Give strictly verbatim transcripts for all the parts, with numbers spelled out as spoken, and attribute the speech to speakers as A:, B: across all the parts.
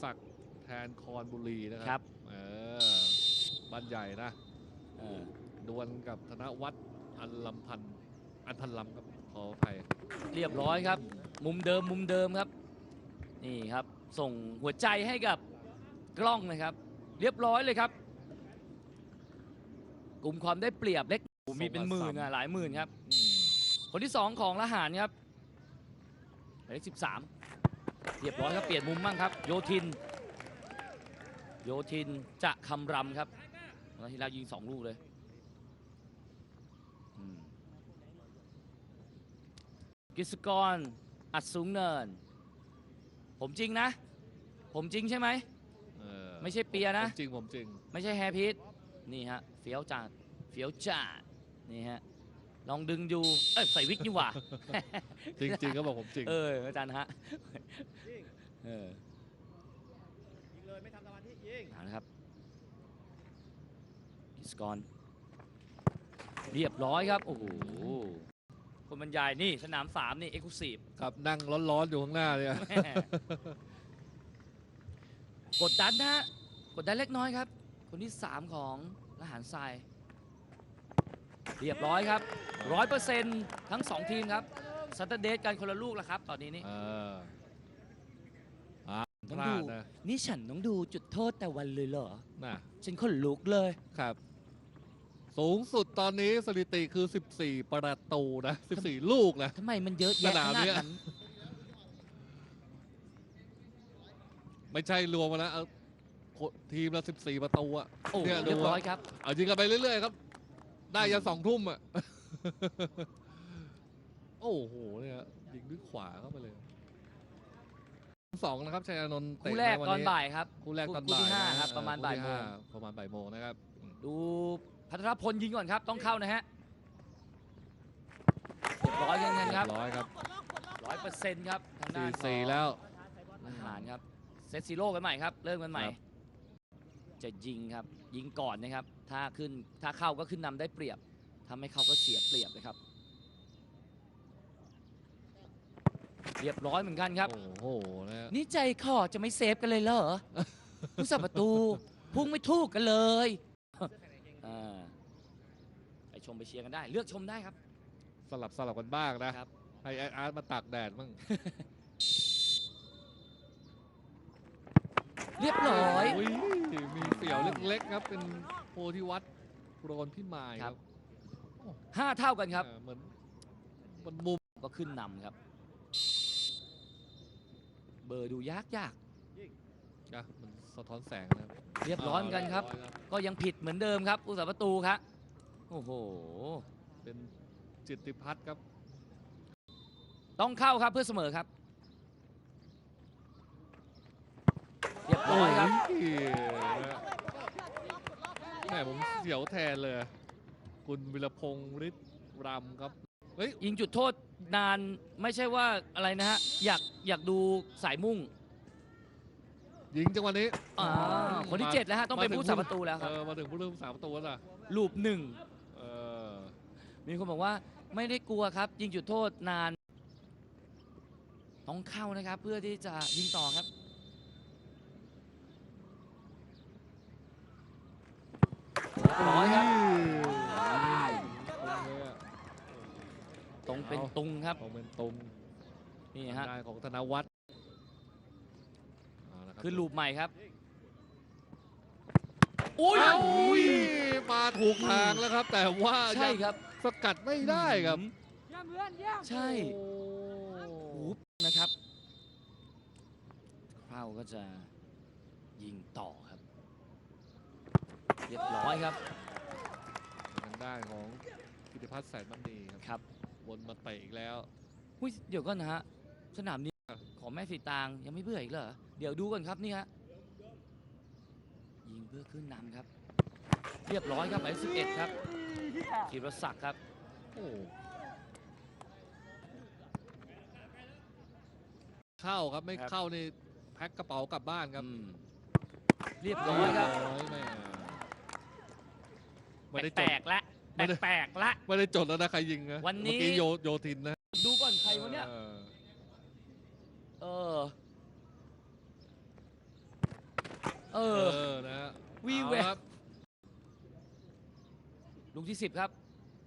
A: ศักดิ์แทนคอนบุรีนะค
B: ครั
A: รับบ เออบ้านใหญ่นะเออดวลกับธนวัฒน์อันลำพันธ์อันพันลำครับขออภัย
B: เรียบร้อยครับมุมเดิมมุมเดิมครับนี่ครับส่งหัวใจให้กับกล้องนะครับเรียบร้อยเลยครับกลุ่มความได้เปรียบเล็กมีเป็นหมื่นอะหลายหมื่นครับคนที่สองของละหารครับหมายเลขสิบสามเรียบร้อยครับเปลี่ยนมุมบ้างครับโยธินโยธินจะคำรำครับแล้วที่เรายิงสองลูกเลยกิษกรอัดสูงเนินผมจริงนะผมจริงใช่ไหมไม่ใช่เปียนะ
A: จริงผมจริง
B: ไม่ใช่แฮร์พีทนี่ฮะเฟี้ยวจัดเฟี้ยวจัดนี่ฮะลองดึงดูเอ้ยใส่วิกนี่หว่า
A: จริงจริงก็บอกผมจริง
B: เอออาจารย์ฮะเออ
C: ยิงเลยไม่ทำสมาธิยิง
B: นะครับกิษกรเรียบร้อยครับโอ้โหคนบรรยายนี่สนามสามนี่เอ็กซ์คลูซีฟ
A: ครับนั่งร้อนๆอยู่ข้างหน้าเลย
B: กดดันนะกดดันเล็กน้อยครับคนที่สามของละหารทรายเรียบร้อยครับร้อยเปอร์เซ็นต์ทั้งสองทีมครับซัตเตอร์เดทกันคนละลูกแล้วครับตอนนี้นี่ต้องดูนี่ฉันต้องดูจุดโทษแต่วันเลยเหรอ
A: น่ะ
B: ฉันขนลุกเลย
A: ครับสูงสุดตอนนี้สถิติคือสิบสี่ประตูนะสิบสี่ลูกนะ
B: ทำไมมันเยอะแยะขนาดนั้น
A: ไม่ใช่รวมมาแล้วทีมละสิบสี่ประตูอะ
B: เนี่ยเรียบร้อยครับ
A: เอายิงกันไปเรื่อยๆครับได้ยันสองทุ่มอะโอ้โหเนี่ยยิงด้วยขวาเข้าไปเลยสองนะครับชัยอานนท์
B: คู่แรกตอนบ่ายครับ
A: คู่แรกตอนบ่าย
B: ครับประมาณบ่ายโมง
A: ประมาณบ่ายโมงนะครับ
B: ดูพัทรพลยิงก่อนครับต้องเข้านะฮะร้อยกันครับ
A: ร้อยครับ
B: ร้อยเปอร์เซ็นต์ครับทางด้าน
A: สี่แล้ว
B: อาหารครับเซตซีโร่กันใหม่ครับเริ่มกันใหม่จะยิงครับยิงก่อนนะครับถ้าขึ้นถ้าเข้าก็ขึ้นนำได้เปรียบถ้าไม่เข้าก็เสียเปรียบเลยครับเรียบร้อยเหมือนกันครับ
A: โอ้โห
B: นี่ใจคอจะไม่เซฟกันเลยเหรอผู้สับประตูพุ่งไม่ถูกกันเลยไปชมไปเชียร์กันได้เลือกชมได้ครับ
A: สลับสลับกันบ้างนะครับให้อาร์ตมาตากแดดมั่ง
B: เรียบร้อย
A: มีเสี่ยวเล็กๆครับเป็นโพธิวัฒน์โรนพิมายครับ
B: ห้าเท่ากันครับ
A: เหมือนบนมุม
B: ก็ขึ้นนำครับเบอร์ดูยากยาก
A: นะมันสะท้อนแสงนะครับ
B: เรียบร้อยกันครับก็ยังผิดเหมือนเดิมครับผู้สาประตูครับโอ้โห
A: เป็นจิตติพัฒน์ครับ
B: ต้องเข้าครับเพื่อเสมอครับเรียบร้อยครับ
A: แหมผมเสียวแทนเลยคุณวิรพงษ์ฤทธิ์รำครับเฮ้ย
B: ยิงจุดโทษนานไม่ใช่ว่าอะไรนะฮะอยากอยากดูสายมุ่ง
A: ยิงจังหวะนี้
B: คนที่เจ็ดแล้วฮะต้องเป็นผู้สาประตูแล้วครับ
A: มาถึงผู้เล่นสาประตูแล้ว
B: ลูปหนึ่งมีคนบอกว่าไม่ได้กลัวครับยิงจุดโทษนานต้องเข้านะครับเพื่อที่จะยิงต่อครับร้อยครับตรงเป็นตุงครับ
A: ตรงเป็นตุง
B: นี่ฮะ
A: ของธนวัฒน์
B: คือลูปใหม่ครับ
A: อุ้ยมาถูกทางแล้วครับแต่ว่า
B: ใช่ครับ
A: สกัดไม่ได้ครับ
B: ใช่หูนะครับเข้าก็จะยิงต่อครับเรียบร้อยครับ
A: ทางด้านของกิติพัฒน์แสนมณี
B: ครับ
A: วนมาเตะอีกแล้ว
B: อุ้ยเดี๋ยวก่อนนะฮะสนามนี้ของแม่สีตางยังไม่เบื่ออีกเหรอเดี๋ยวดูก่อนครับนี่ฮะยิงเพื่อขึ้นนำครับเรียบร้อยครับหมายเลขสิบเอ็ดครับธีรศักดิ์ครับ
A: โอ้เข้าครับไม่เข้านี่แพ็คกระเป๋ากลับบ้านครับ
B: เรียบร้อยครับ
A: ไม่ได้
B: แปลกละแปลกละ
A: ไม่ได้จดแล้วนะใครยิงนะ
B: วันนี้
A: โยธินนะ
B: ดูก่อนใครวะเนี่ยเออเอ
A: เอ
B: อ
A: อนะฮะ
B: วีแว
A: เอา
B: ว
A: ครับ
B: ลูกที่สิบครับ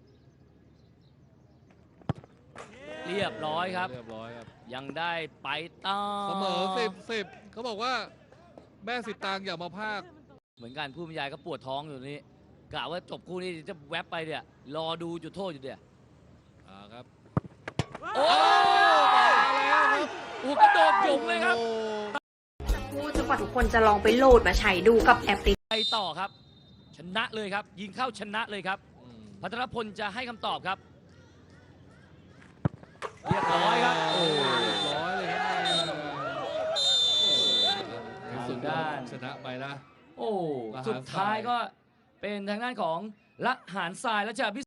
B: เรียบร้อยครับ
A: เรียบร้อยครับ
B: ยังได้ไปต่อ
A: เสมอสิบสิบเขาบอกว่าแม่สิตางอย่ามาพาก
B: เหมือนกันผู้บรรยายก็ปวดท้องอยู่นี้กะว่าจบคู่นี้จะแวบไปเนี่ยรอดูจุดโทษอยู่เดี๋ยว
A: อ่าครับ
B: โอ้
A: มาแล้วครับ
B: โอ้กระโดดหยุงเลยครับ
A: โอ้
D: พูดจนกว่าทุกคนจะลองไปโหลดมาใช้ดูกับแอปพลิเคชัน
B: ไปต่อครับ ชนะเลยครับ ยิงเข้าชนะเลยครับ
A: อืม
B: พัทรพลจะให้คำตอบครับ เรียบร้อยครับ โอ้
A: เรียบร้อยเลยครับในสุด
B: ทางด้าน
A: ชนะไปนะ
B: โอ้
A: ละหารทราย
B: สุดท้ายก็เป็นทางด้านของละหารทรายและจะพิ